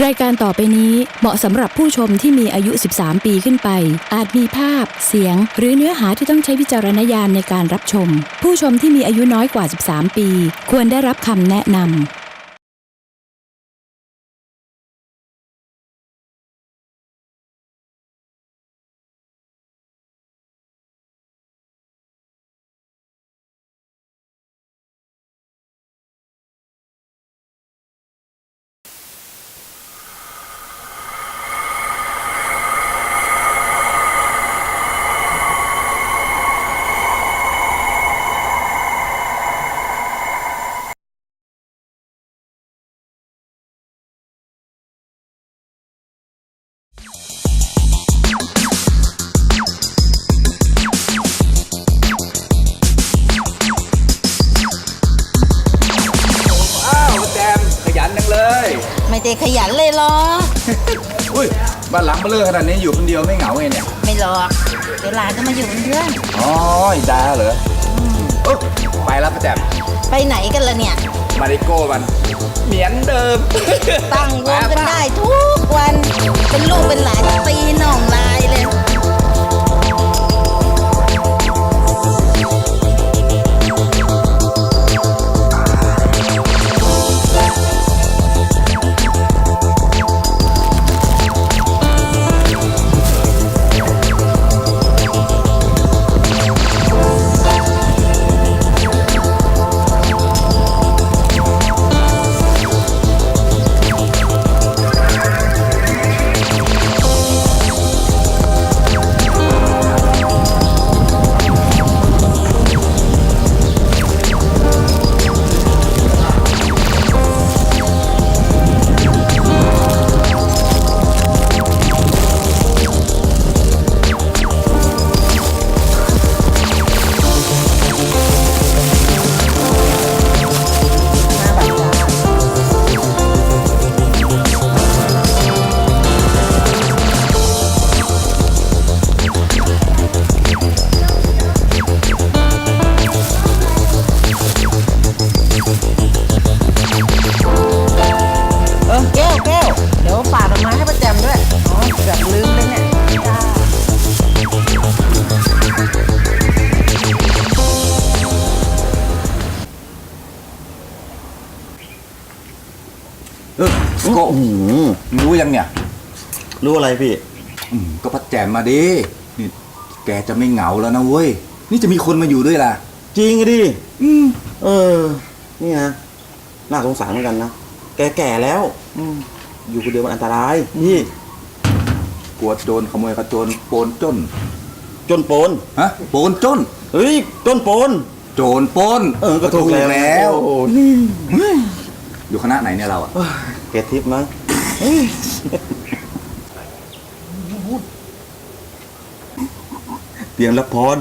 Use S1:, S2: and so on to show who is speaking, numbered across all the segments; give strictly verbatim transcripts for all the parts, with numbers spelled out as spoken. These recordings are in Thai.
S1: ายการต่อไปนี้เหมาะสำหรับผู้ชมที่มีอายุสิบสามปีขึ้นไปอาจมีภาพเสียงหรือเนื้อหาที่ต้องใช้วิจารณญาณในการรับชมผู้ชมที่มีอายุน้อยกว่าสิบสามปีควรได้รับคำแนะนำ
S2: ไม่ได้ขยันเลยหรอ
S3: อุ้ยบ้านหลังเบลอขนาดนี้อยู่คนเดียวไม่เหงาไงเนี่ย
S2: ไม่หรอกเดี๋ยวหลานจะมาอยู่เป็นเพื่อน
S3: อ๋อดาเหรอเออไปแล้วป้าแจ่ม
S2: ไปไหนกันล่ะเนี่ย
S3: มาริโก้มันเหมือนเดิม
S2: ตั้งวงกันได้ทุกวันเป็นลูกเป็นหลานตีน่องลายเลย
S3: เออก็รู้ยังเนี่ย
S4: รู้อะไรพี่
S3: ก็พัดแจมมาดินี่แกจะไม่เหงาแล้วนะเว้ยนี่จะมีคนมาอยู่ด้วยล่ะ
S4: จริงดิ
S3: อืม
S4: เออนี่ฮะน่าสงสารเหมือนกันนะแกแก่แล้วอืมอยู่คนเดียวมันอันตรายพี่
S3: กลัวโดนขโมยกระโจนโปนจ้น
S4: จนโปน
S3: ฮะโปนจ้น
S4: เฮ้ยจนโปน
S3: โจรปน
S4: เออก็ถูกแล้ว
S3: อยู่คณะไหนเนี่ยเราอ่ะ
S4: เกตทิพย์มั้งเตรียมรับพร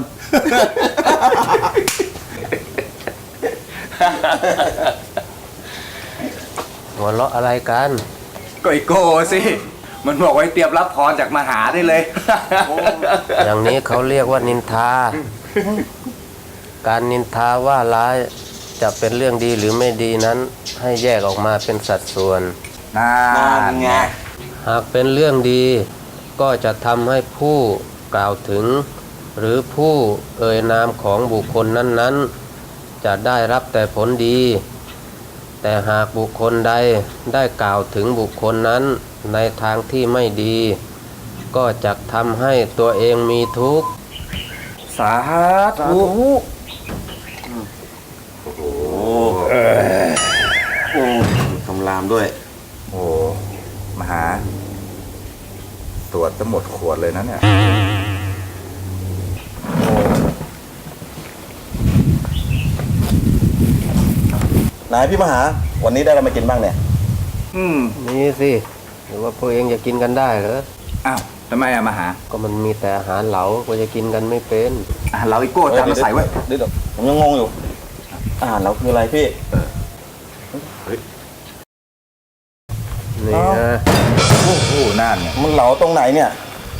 S5: หัวเราะอะไรกัน
S3: ก็ไอโก้สิมันบอกไว้เตรียมรับพรจากมหาได้เลย
S5: อย่างนี้เขาเรียกว่านินทาการนินทาว่าร้ายจะเป็นเรื่องดีหรือไม่ดีนั้นให้แยกออกมาเป็นสัดส่วน
S3: นั่นไง
S5: หากเป็นเรื่องดีก็จะทำให้ผู้กล่าวถึงหรือผู้เอ่ยนามของบุคคลนั้นๆจะได้รับแต่ผลดีแต่หากบุคคลใดได้กล่าวถึงบุคคลนั้นในทางที่ไม่ดีก็จะทำให้ตัวเองมีทุกข์
S3: สาธุ
S4: โอ้โหโอ้คำรามด้วย
S3: โอ้มหาตรวจจะหมดขวดเลยนะเนี่ย
S4: นายพี่มหาวันนี้ได้อะไรมากินบ้างเนี่ย
S3: อืม
S5: นี่สิหรือว่าพวกเองจะกินกันได้เหรอ
S3: อ้าวทำไมอะมหา
S5: ก็มันมีแต่อาหารเหลาก็จะกินกันไม่เป็น
S3: อาหารเหลาอีโก้จำมาใส่ไว้
S4: เดี๋ยวผมยังงงอยู่อาหารเหลาคืออะไรพี่
S5: นี่ฮะ
S3: โอ้โหน่านเนี่ย
S4: มันเหลาตรงไหนเนี่ย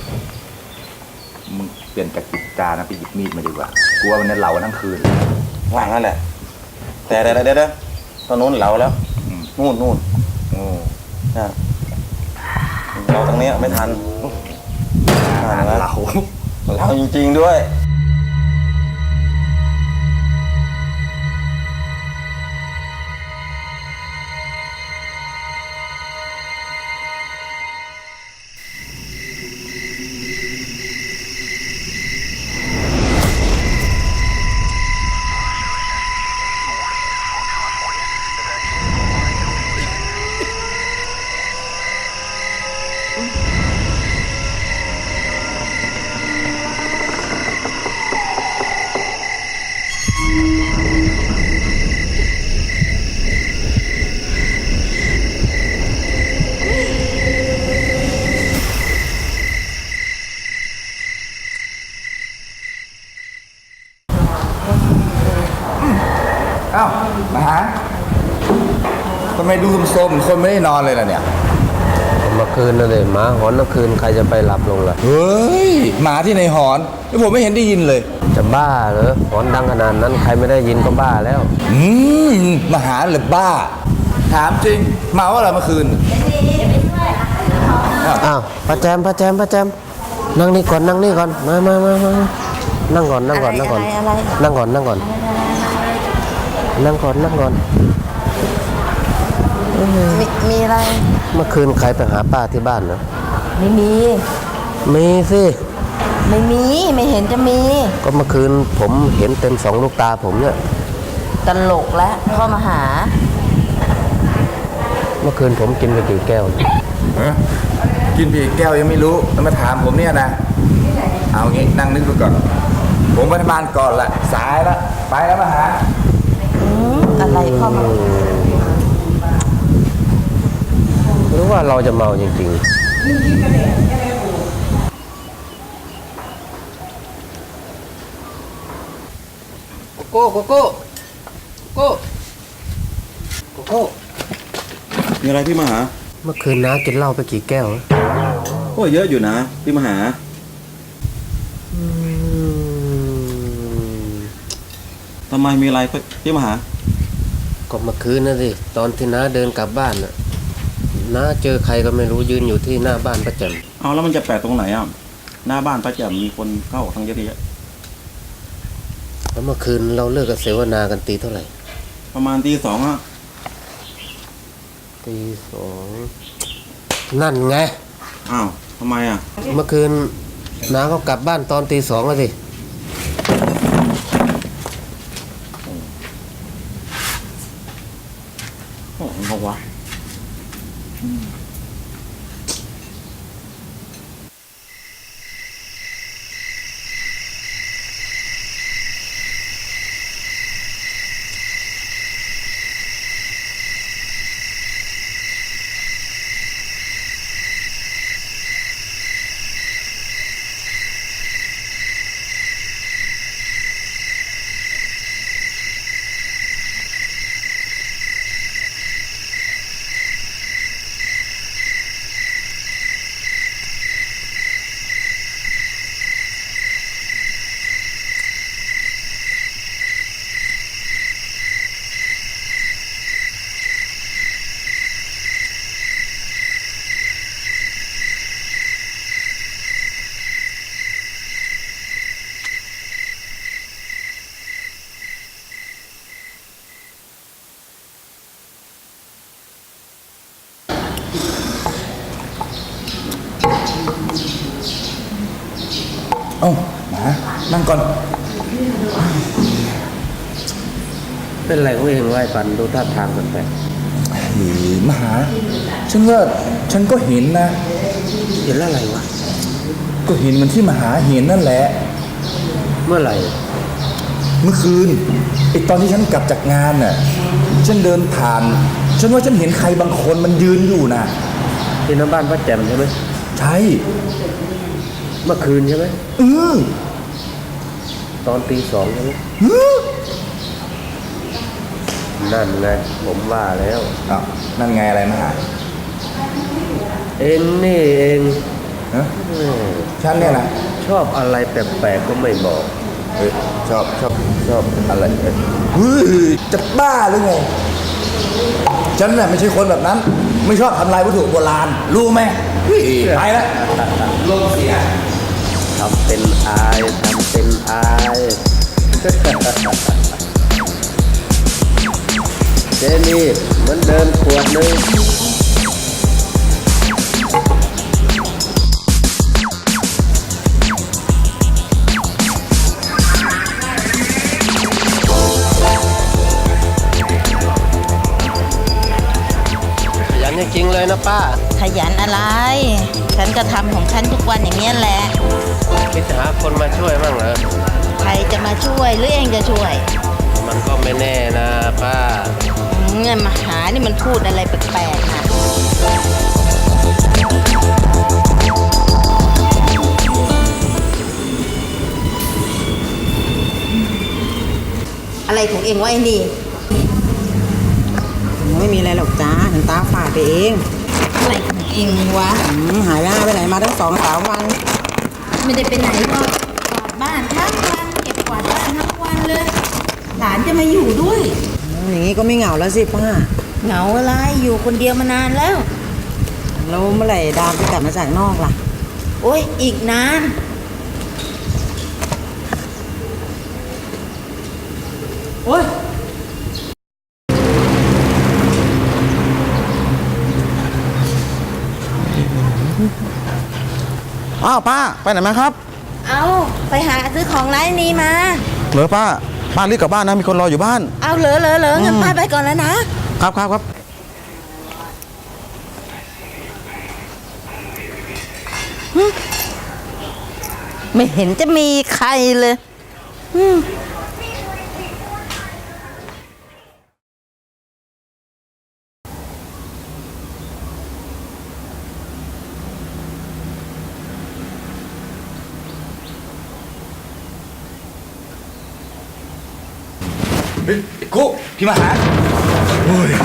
S3: มึงเปลี่ยนจากจิบจานะไปหยิบมีดมาดีกว่ากลัวมันจะเหลาทั้งคืน
S4: ว่างนั่นแหละแต่เดี๋ยวเดี๋ยวเดี๋ยวตอนนู้นเหลาแล้วนู่นนู่น
S3: โอ้
S4: อ่าเราตรงเนี้ยไม่ทันอ่านะ
S3: เรา
S4: เราจริงๆด้วย
S3: เอ้ามาหาทำไมดูส้มๆคนไม่ได้นอนเลยล่ะเนี่ย
S5: เมื่อคืนนั่นเลยหมาหอนเมื่อคืนใครจะไปหลับลงล่ะ
S3: เฮ้ยหมาที่ในหอนแล้วผมไม่เห็นได้ยินเลย
S5: จะบ้าเหรอหอนดังขนาดนั้นใครไม่ได้ยินก็บ้าแล้ว
S3: อืมมาหาหรือบ้า ถามจริงเมาว่าอะไรเมื่อคืน
S5: อ้าวป้าแจมป้าแจมป้าแจมนั่งนี่ก่อนนั่งนี่ก่อนมามามามานั่งก่อนนั่งก่อนนั่งก่อน
S2: อะไรอะไร
S5: นั่งก่อนนั่งก่อนนั่งก่อนนั่งก่อน
S2: มีมีอะไร
S5: เมื่อคืนใครไปหาป้าที่บ้านนะ
S2: ไม่มี
S5: มีสิ
S2: ไม่มีไม่เห็นจะมี
S5: ก็เมื่อคืนผมเห็นเต็มสองลูกตาผมเนี่ย
S2: ตลกแล้วเข้ามาหา
S5: เมื่อคืนผมกินไปกี่แก้ว
S3: ฮะกินผีแก้วยังไม่รู้แล้วมาถามผมเนี่ยนะ เอางี้นั่งนึกดูก่อน ผมไปทำงานก่อนละสายละไปแล้วมาหา
S2: อืมอะไรเข้ามา
S5: หรือว่าเราจะเมาจริงๆโกโก้โกโก้โกโกโก้
S4: มีอะไรพี่มหา
S5: เมื่อคืนน้ากินเหล้าไปกี่แก้ว
S4: โอ้ยเยอะอยู่นะพี่มหาทำไมมีอะไรพี่มหา
S5: ก็เมื่อคืนนะสิตอนที่น้าเดินกลับบ้านน่ะน้าเจอใครก็ไม่รู้ยืนอยู่ที่หน้าบ้านประจ
S4: เอาแล้วมันจะแปลกตรงไหนอ่ะหน้าบ้านป้าแจ่มมีคนเข้าออกทั้งเยอะแยะ
S5: ำแล้วเมื่อคืนเราเลิกกับเสวนากันตีเท่าไหร่
S4: ประมาณตีสองอ่ะ
S5: ตีสองนั่นไง
S4: อ้าวทำไมอ่ะ
S5: เมื่อคืนน้าก็กลับบ้านตอนตีสองแล้วสิ
S4: โอ้โหเขาวะ
S3: เอ้ามานั่งก่อน
S5: เป็นไรเขาเองไหวปันดูท่าทางแปลก
S3: หือมาหา ฉันว่าฉันก็เห็นนะ
S5: ๆเห็นอะไรวะ
S3: ก็เห็นเหมันที่มหาเห็นนั่นแหละ
S5: เมื่อไหร่
S3: เมื่อคืนไอตอนที่ฉันกลับจากงานน่ะ ฉันเดินผ่าน ฉันว่าฉันเห็นใครบางคนมันยืนอยู่นะ
S5: ที่หน้าบ้านป้าแจ่มใช่ไหม
S3: ใช่
S5: เมื่อคืนใช่ไหม
S3: เออ
S5: ตอนตีสองใช่ไหม
S3: เออ
S5: นั่นไงผมว่าแล้ว
S3: อ้าวนั่นไงอะไรมหา
S5: เองนี่เอง
S3: ฮะ
S5: เออ
S3: ฉันเนี่ยนะ
S5: ชอบอะไรแปลกๆก็ไม่บอก
S3: เฮ้ยชอบชอบชอบอะไรเอ้ยเฮ้ยจะบ้าหรือไง ฉันน่ะไม่ใช่คนแบบนั้น ไม่ชอบทำลายวัตถุโบราณ รู้ไหมไปแล้วลมเสีย
S5: ทำเป็นอายทำเป็นอายเจนี่เหมือนเดิมขวดหนึ่งขยันจริงๆเลยนะป้า
S2: ขยันอะไร ฉันก็ทำของฉันทุกวันอย่างนี้ยแหละ
S5: คิดหาคนมาช่วยบ้างเหรอ
S2: ใครจะมาช่วยหรือเองจะช่วย
S5: มันก็ไม่แน่นะป้า
S2: เงินมาหานี่มันพูดอะไรแปลกๆนะอะไรของเองวะไอ้นี่
S6: ไม่มีอะไรหรอกจ้าฉันตาฝาดไปเอง
S2: อะไรของเองวะ
S6: อืมหายหน้าไปไหนมาตั้งสองสามวัน
S2: ไม่ได้ไปไหนหรอกกวาดบ้านทั้งวันเก็บกวาดบ้านทั้งวันเลย หลานจะมาอยู่ด้วย
S6: อืมอย่างนี้ก็ไม่เหงาแล้วสิป้า
S2: เหงาอะไรอยู่คนเดียวมานานแล้ว
S6: แล้วเมื่อไหร่ดามจะกลับมาจากนอกล่ะ
S2: โอ้ยอีกนาน
S6: โอ้ยอ้าวป้าไปไหนมาครับ
S2: เอาไปหาซื้อของร้านนี้มา
S6: เหรอป้าป้ารีบกลับบ้านนะมีคนรออยู่บ้าน
S2: เอาเหลอเหลอเหลองั้นป้าไปก่อนแล้วนะ
S6: ครับครับครับ
S2: ไม่เห็นจะมีใครเลยอืม
S3: เฮ้ยไอ้กุ๊กพี่มาหาโอ้ย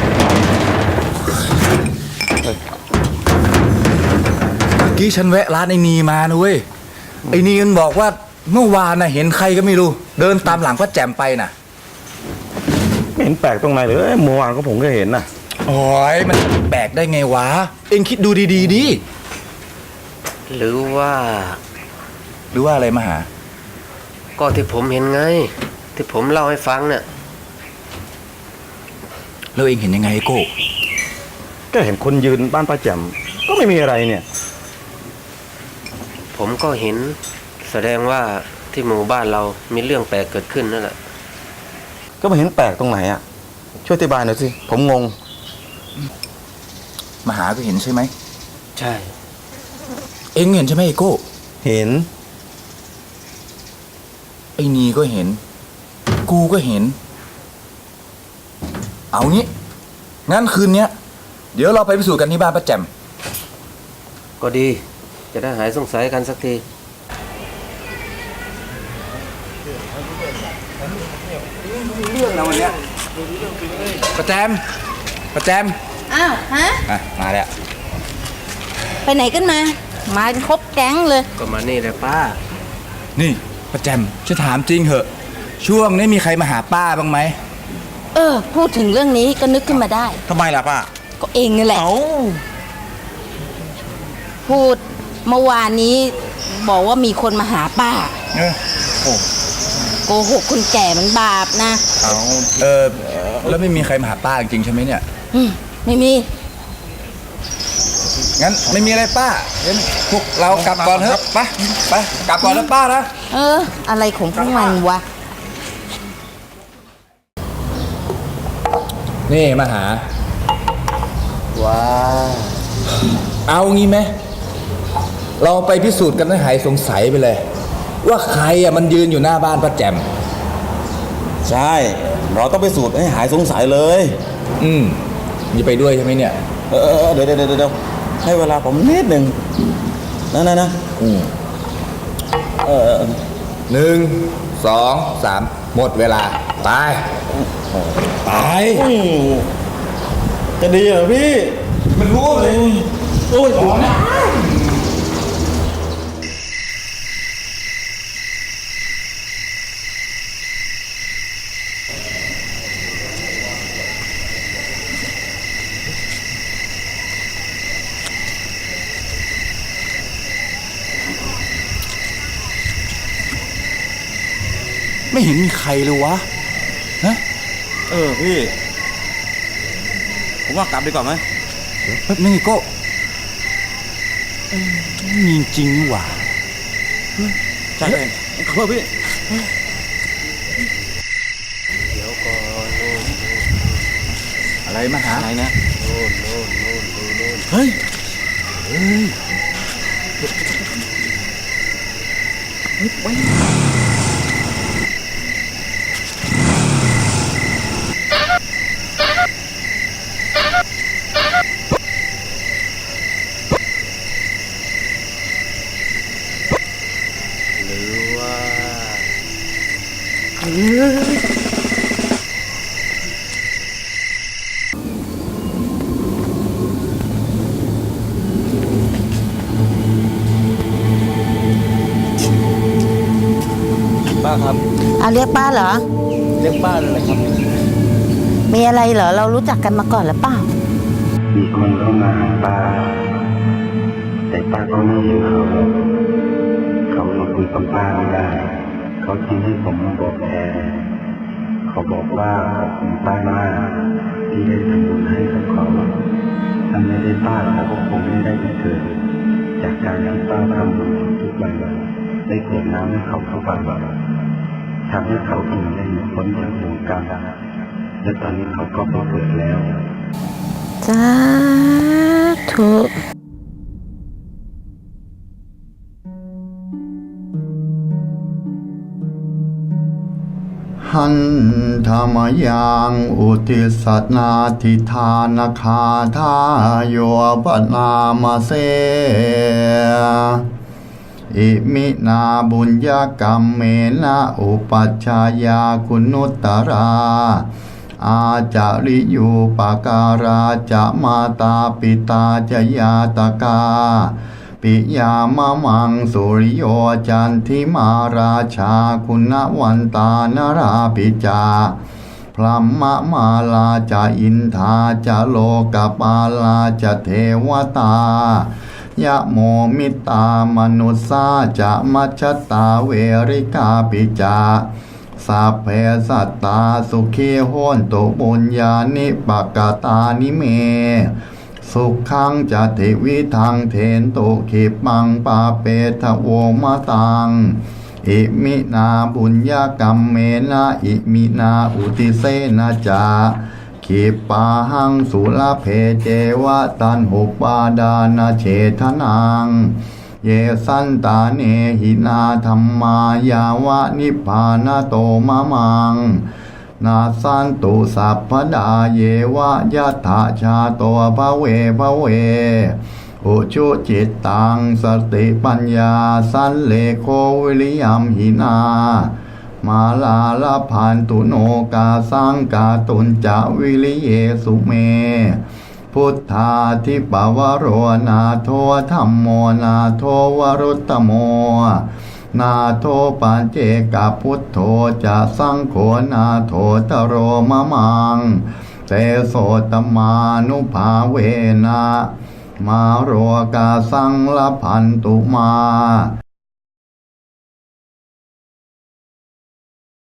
S3: เมื่อกี้ฉันแวะร้านไอ้นีมานะเว้ย ไอ้นีมันบอกว่าเมื่อวานน่ะเห็นใครก็ไม่รู้ เดินตามหลังป้าแจ่มไปน่ะ
S4: ไม่เห็นแปลกตรงไหนเลยเมื่อวานก็ผมก็เห็นนะ
S3: โอ้ยมันแปลกได้ไงวะ เอ็งคิดดูดีๆดิ
S5: หรือว่า
S3: หรือว่าอะไรมาหา
S5: ก็ที่ผมเห็นไง ที่ผมเล่าให้ฟังเนี่ย
S3: แล้วเอ็งเห็นยังไงไอ้โก้
S4: ก็เห็นคนยืนบ้านป้าแจ่มก็ไม่มีอะไรเนี่ย
S5: ผมก็เห็นแสดงว่าที่หมู่บ้านเรามีเรื่องแปลกเกิดขึ้นนั่นแหละ
S4: ก็ไม่เห็นแปลกตรงไหนอ่ะช่วยอธิบายหน่อยสิผมงง
S3: มาหาก็เห็นใช่ไหม
S5: ใช่
S3: เอ็งเห็นใช่ไหมไอ้โก้
S4: เห็น
S3: ไอ้นีก็เห็น กูก็เห็น เอางี้ งั้นคืนเนี้ย เดี๋ยวเราไปพิสูจน์กันที่บ้านป้าแจ่ม
S5: ก็ดี จะได้หายสงสัยกันสักที
S3: เรื่องนะวันเนี้ยป้าแจมป้าแจม
S2: อ้าวฮะ
S3: อ่ะมาแล้ว
S2: ไปไหนกันมา มากันครบแก๊งเลย
S5: ก็มานี่แหละป้า
S3: นี่ป้าแจมจะถามจริงเหอะ ช่วงนี้มีใครมาหาป้าบ้างไหม
S2: เออ พูดถึงเรื่องนี้ก็นึกขึ้นมาได้
S4: ทำไมล่ะป้า
S2: ก็เองนี่แหละ
S4: เอ้า
S2: พูดเมื่อวานนี้ บอกว่ามีคนมาหาป้า
S3: เออโอ้
S2: โกหกคนแก่มันบาปนะ
S3: เอาเออแล้วไม่มีใครมาหาป้าจริงๆใช่ไหมเนี่ย
S2: อืมไม่มี
S3: งั้นไม่มีอะไรป้างั้นพวกเรากลับก่อนเถอะไปไปกลับก่อนนะป้านะ
S2: เออ อะไรของพวกมันวะ
S3: นี่มาหา
S5: ว้า
S3: เอางี้ไหมเราไปพิสูจน์กันให้หายสงสัยไปเลย ว่าใครอ่ะมันยืนอยู่หน้าบ้านป้าแจ่ม
S4: ใช่เราต้องไปสูตรให้หายสงสัยเลย
S3: อืมมีไปด้วยใช่ไหมเนี่ย
S4: เออเออเดี๋ยวเดี๋ยวเดี๋ยวเดี๋ยวให้เวลาผมนิดหนึ่งนะนะนะ
S3: อืม
S4: เออเออ
S3: หนึ่งสองสามหมดเวลาไปไป
S4: อืมจะดีเหรอพี่
S3: มันรู้เลย
S4: โอ้ยผมนะ
S7: ไม่เห็นมีใครเลยวะฮะ
S4: เออพี่ ผมว่ากลับดีกว่าไหม
S7: เดี๋ยวแป๊บนึงไอ้โก้เอ้ยมีจริงนี่หว่า
S4: ใช่เลยขอโทษพี่
S5: เดี๋ยวก่อนโน่น
S3: อะไรมาหา
S4: ไหนนะ
S5: โน่นโน่นโน่นโน่นโน่น
S7: เฮ้ยเฮ้ย
S5: หรือว่า
S7: ป้าครับ
S2: อ่ะเรียกป้าเหรอ
S7: เรียกป้าเลยครับ
S2: มีอะไรเหรอ เรารู้จักกันมาก่อนหรือเปล่า
S8: มีคนเข้ามาหาป้า แต่ป้าก็ไม่เห็นเขาเขามาคุยกับป้าไม่ได้ เขาจึงให้ผมมาบอกแทนเขาบอกว่าขอบคุณป้ามากที่ได้ทำบุญให้กับเขาถ้าไม่ได้ป้าเขาก็คงไม่ได้เกิดจากการที่ป้าทำบุญทุกวันได้เกิดน้ำให้เขาทุกวันทำให้เขาถึงได้หลุดพ้นจากวงการและตอนนี้เขาก็มาเกิดแล้ว
S2: สาธุ
S9: หันธรรมยังอุติสัตนาทิธานคาทาโยปนามาเสอิมินาบุญญกรรมเมนะอุปัชฌายาคุณุตตราอาจาริยูปการาจะมาตาปิตาจยาตกาปิยามะมังสุริโยจันทิมาราชาคุณวันตานราปิจาพรัมมะมาลาจะอินทาจะโลกปาลาจะเทวตายะโมมิตามนุสสาจะมัชฌตาเวริกาปิจาสัพเพสัตตาสุขีโหนตุบุญญาณิปกตานิเมสุขังจะเทวิทังเทนตุขิปังปาเปทะโวมะตังอิมินาบุญญกรรมเมนะอิมินาอุติเสนะจาขิปาหังสุลเพเจวะตันหุปาดานาเฉทนังเยสันตาเนหินาธรรมายาวะนิพพานโตมะมังนาสันตุสัพพดาเยวะยัตถาชาโตภเวภเวอุชุจิตตังสติปัญญาสันเลโควิริยัมหินามาลาลพันตุโนกาสังกาตุนจะวิริเยสุเมพุทธาทิปวโรนาโทธัมโมนาโทวรุตตโมนาโทปัญเจกพุทโธจะสังโฆนาโทตโรมะมังเตโสตมานุภาเวนะมาโรกาสังละพันตุมา